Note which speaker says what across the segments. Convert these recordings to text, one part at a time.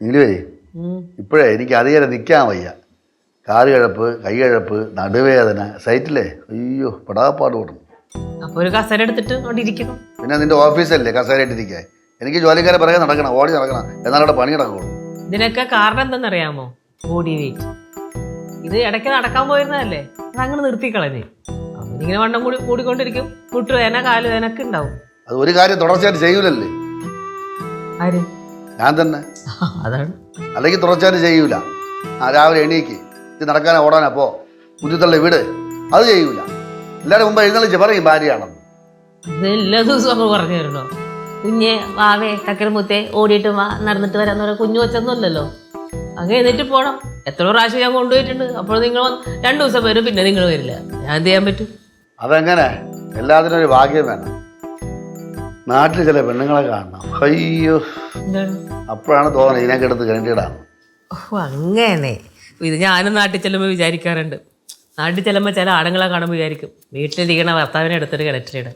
Speaker 1: നീലുവേ ഇപ്പോഴേ എനിക്ക് അധികം നിൽക്കാൻ വയ്യ. കാല് കിഴപ്പ്, കൈ കിഴപ്പ്, നടുവേദന, സൈറ്റില്ലേ അയ്യോ പെടാപ്പാട് കൊടുക്കും.
Speaker 2: അപ്പൊ ഒരു കസേര എടുത്തിട്ട് അവിടെ ഇരിക്കണം.
Speaker 1: പിന്നെ നിന്റെ ഓഫീസല്ലേ കസേരയിട്ടിരിക്കാൻ? എനിക്ക് ജോലിക്കാരെ പിറകെ നടക്കണം, ഓടി നടക്കണം, എന്നാലും അവിടെ പണി നടക്കുള്ളൂ.
Speaker 2: ഇതിനൊക്കെ കാരണം എന്തെന്നറിയാമോ? Body weight. ഇത് ഇടയ്ക്ക് നടക്കാൻ പോയിരുന്നതല്ലേ, അതങ്ങനെ നിർത്തിക്കളഞ്ഞ് അവനിങ്ങനെ വണ്ണം കൂടിക്കൊണ്ടിരിക്കും. മുട്ടുവേദന, കാലുവേദനൊക്കെ ഉണ്ടാവും.
Speaker 1: അത് ഒരു കാര്യം തുടർച്ചയായിട്ട് ചെയ്യൂലല്ലേ?
Speaker 2: ആര്?
Speaker 1: ഞാൻ തന്നെ.
Speaker 2: അതാണ്.
Speaker 1: അല്ലെങ്കിൽ തുടർച്ചയായിട്ട് ചെയ്യൂല. രാവിലെ എണീക്ക്, ഇത് നടക്കാനോ ഓടാനോ പോ, കുഞ്ഞുത്തള്ള വീട്, അത് ചെയ്യൂല. എല്ലാവരും മുമ്പ് എഴുന്നള്ളിച്ച് പറയും ഭാര്യയാണെന്ന്.
Speaker 2: ഇത് എല്ലാ ദിവസവും അങ്ങ് പറഞ്ഞു തരണോ? കുഞ്ഞെ വാവേ കക്കരമുത്തേ ഓടിയിട്ട് വാ, നടന്നിട്ട് വരാന്ന് പറയാൻ കുഞ്ഞു വെച്ചൊന്നുമല്ലല്ലോ. അങ്ങ് എന്നിട്ട് പോണം. എത്ര പ്രാവശ്യം ഞാൻ കൊണ്ടുപോയിട്ടുണ്ട്. അപ്പോൾ നിങ്ങൾ 2 ദിവസം വരും, പിന്നെ നിങ്ങൾ വരില്ല. ഞാൻ എന്ത് ചെയ്യാൻ പറ്റും?
Speaker 1: അതെങ്ങനെ? എല്ലാത്തിനും ഒരു ഭാഗ്യം വേണം. നാട്ടിൽ ചില പെണ്ണുങ്ങളെ കാണണം, അയ്യോ അപ്പോഴാണ് തോന്നുന്നത് ഇതിനൊക്കെ എടുത്ത് കണ്ടിടാണ്.
Speaker 2: ഓ അങ്ങനെ. ഇത് ഞാനും നാട്ടിൽ ചെല്ലുമ്പോൾ വിചാരിക്കാറുണ്ട്. നാട്ടിൽ ചെല്ലുമ്പോൾ ചില ആണുങ്ങളെ കാണുമ്പോൾ വിചാരിക്കും വീട്ടിലിരിക്കണ ഭർത്താവിനെ എടുത്തിട്ട് കിണറ്റിലിടാൻ.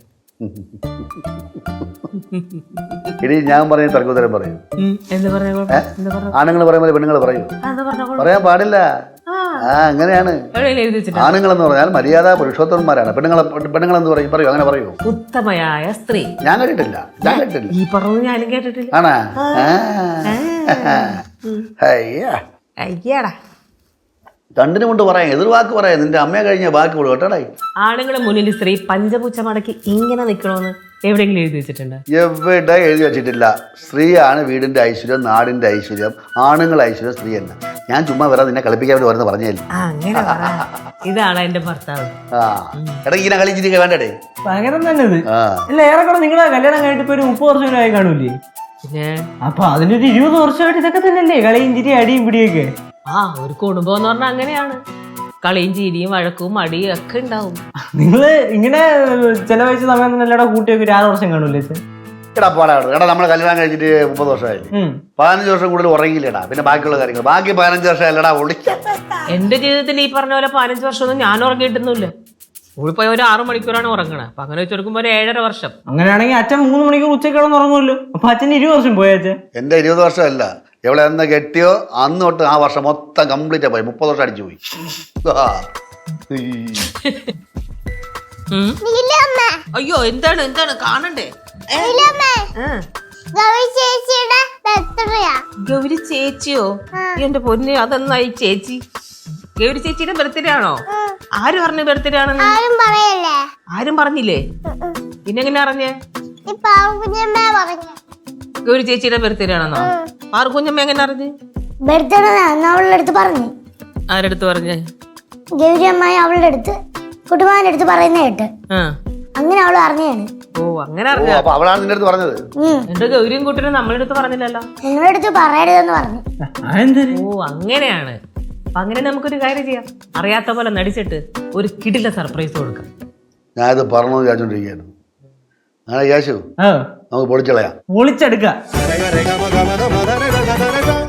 Speaker 1: ഇനി ഞാൻ പറഞ്ഞ തർക്കോത്തരം പറയും. ആണുങ്ങൾ പറയുമ്പോൾ പെണ്ണുങ്ങൾ പറയൂ? പറയാൻ പാടില്ല. അങ്ങനെയാണ്. ആണുങ്ങളെന്ന് പറഞ്ഞാൽ മര്യാദ പുരുഷോത്തമന്മാരാണ്. പെണ്ണുങ്ങളെന്ന് പറയും, പറയൂ, അങ്ങനെ പറയൂ.
Speaker 2: ഉത്തമയായ സ്ത്രീ. ഞാൻ
Speaker 1: കേട്ടിട്ടില്ല.
Speaker 2: ഈ പറഞ്ഞു ഞാനും കേട്ടിട്ടില്ല.
Speaker 1: ആണാ?
Speaker 2: അയ്യാടാ,
Speaker 1: രണ്ടിനും കൊണ്ട് പറയാം, എതിർവാക്ക് പറയാം. നിന്റെ അമ്മയെ കഴിഞ്ഞ ബാക്കി കൊടു കേട്ടോടായി.
Speaker 2: ആണുങ്ങളെ മുന്നിൽ സ്ത്രീ പഞ്ചപൂച്ച മടക്കി ഇങ്ങനെ നിൽക്കണമെന്ന് എവിടെയെങ്കിലും എഴുതി വെച്ചിട്ടുണ്ട്?
Speaker 1: എവിടെ എഴുതി വെച്ചിട്ടില്ല. സ്ത്രീയാണ് വീടിന്റെ ഐശ്വര്യം, നാടിന്റെ ഐശ്വര്യം. ആണുങ്ങൾ ഐശ്വര്യം സ്ത്രീ തന്നെ. ഞാൻ ചുമ്മാ വരാതെ നിന്നെ കളിപ്പിക്കാൻ വേണ്ടി വരുന്ന പറഞ്ഞില്ല.
Speaker 2: അങ്ങനെ ഇതാണ് എന്റെ ഭർത്താവ്.
Speaker 1: എടാ ഇങ്ങനെ കളിച്ചിരിക്കുക വേണ്ടേ?
Speaker 3: പകരം തന്നെ ഇത്. അല്ല ഏറെക്കുറെ നിങ്ങളെ കല്യാണം കഴിഞ്ഞിട്ട് ഇപ്പൊ ഒരു 30 വർഷം ആയി കാണൂലേ?
Speaker 2: പിന്നെ
Speaker 3: അപ്പൊ അതിനൊരു 20 വർഷമായിട്ട് ഇതൊക്കെ തന്നെയല്ലേ കളിയും ചിരി അടിയും പിടിയൊക്കെ?
Speaker 2: ഒരു കുടുംബം എന്ന് പറഞ്ഞാൽ അങ്ങനെയാണ്. കളിയും ചിരിയും വഴക്കും അടിയും ഒക്കെ ഉണ്ടാവും.
Speaker 3: നിങ്ങള് ഇങ്ങനെ ചെലവഴിച്ച സമയം തന്നെ എല്ലാടെ കൂട്ടിയൊക്കെ 6 വർഷം കാണൂല്ലേ?
Speaker 1: എടാ പാടാണ്. എടാ നമ്മൾ കല്യാണം കഴിച്ചിട്ട് 30 വർഷമായില്ലേ? 15 വർഷം കൂടുതൽ ഉറങ്ങിയില്ലടാ. പിന്നെ ബാക്കിയുള്ള കാര്യങ്ങൾ ബാക്കി 15 വർഷം അല്ലടാ ഒളിച്ച.
Speaker 2: എന്റെ ജീവിതത്തിൽ ഈ പറഞ്ഞ പോലെ 15 വർഷമൊന്നും ഞാൻ ഉറങ്ങിയിട്ടൊന്നുമില്ല. സ്കൂളിൽ പോയ ഒരു 6 മണിക്കൂറാണ് ഉറങ്ങണത്. അപ്പൊ അങ്ങനെ വെച്ചെടുക്കുമ്പോ ഒരു 7.5 വർഷം. അങ്ങനെയാണെങ്കിൽ
Speaker 3: അച്ഛൻ 3 മണിക്കൂർ ഉച്ചയ്ക്ക് കിടന്ന് ഉറങ്ങുമല്ലോ. അപ്പൊ അച്ഛൻ 20 വർഷം പോയച്ഛൻ.
Speaker 1: എന്റെ 20 വർഷമല്ല, എവിടെ എന്ന് കെട്ടിയോ അന്ന് തൊട്ട് ആ വർഷം മൊത്തം കംപ്ലീറ്റ് പോയി. 30 വർഷം അടിച്ചു പോയി.
Speaker 2: അയ്യോ എന്താണ് എന്താണ് കാണണ്ടേ? ഗൗരി ചേച്ചിയോ? എന്റെ പൊന്ന്, അതെന്നായി ചേച്ചി? ഗൗരി ചേച്ചിയുടെ ബർത്ത്ഡേ ആണോ? ആര് പറഞ്ഞു ബർത്ത്ഡേ ആണെന്ന്? ആരും പറഞ്ഞില്ലേ? പിന്നെ എങ്ങനെ അറിഞ്ഞേ? ഗൗരി ചേച്ചിയുടെ ബർത്ത്ഡേ ആണെന്നോ? പാർക്കുഞ്ഞമ്മ എങ്ങനെ അറിഞ്ഞ്?
Speaker 4: അവളുടെ അടുത്ത് പറഞ്ഞു.
Speaker 2: ആരെടുത്ത് പറഞ്ഞേ?
Speaker 4: ഗൗരി അമ്മായി അവളുടെ അടുത്ത് കുട്ടുമാന്റെ അടുത്ത് പറയുന്ന കേട്ട് അങ്ങനെ അവള് അറിഞ്ഞാണ്.
Speaker 2: ഓ അങ്ങനെ അറിഞ്ഞ
Speaker 1: അവളാണ് നിന്റെ അടുത്ത് പറഞ്ഞത്.
Speaker 2: എന്റെ ഗൗരിയും കൂട്ടിനും നമ്മളെ അടുത്ത് പറഞ്ഞില്ലല്ലോ.
Speaker 4: നിങ്ങളുടെ അടുത്ത് പറയരുതെന്ന് പറഞ്ഞു.
Speaker 2: ഓ അങ്ങനെയാണ്. അപ്പൊ അങ്ങനെ നമുക്കൊരു കാര്യം ചെയ്യാം. അറിയാത്ത പോലെ നടിച്ചിട്ട് ഒരു കിടില സർപ്രൈസ് കൊടുക്കാം.
Speaker 1: ഞാനിത് പറഞ്ഞു വിചാരിച്ചോണ്ടിരിക്കുകയായിരുന്നു. അങ്ങനെ യേശു നമുക്ക് പൊളിച്ചളയാം.
Speaker 3: പൊളിച്ചെടുക്കാം.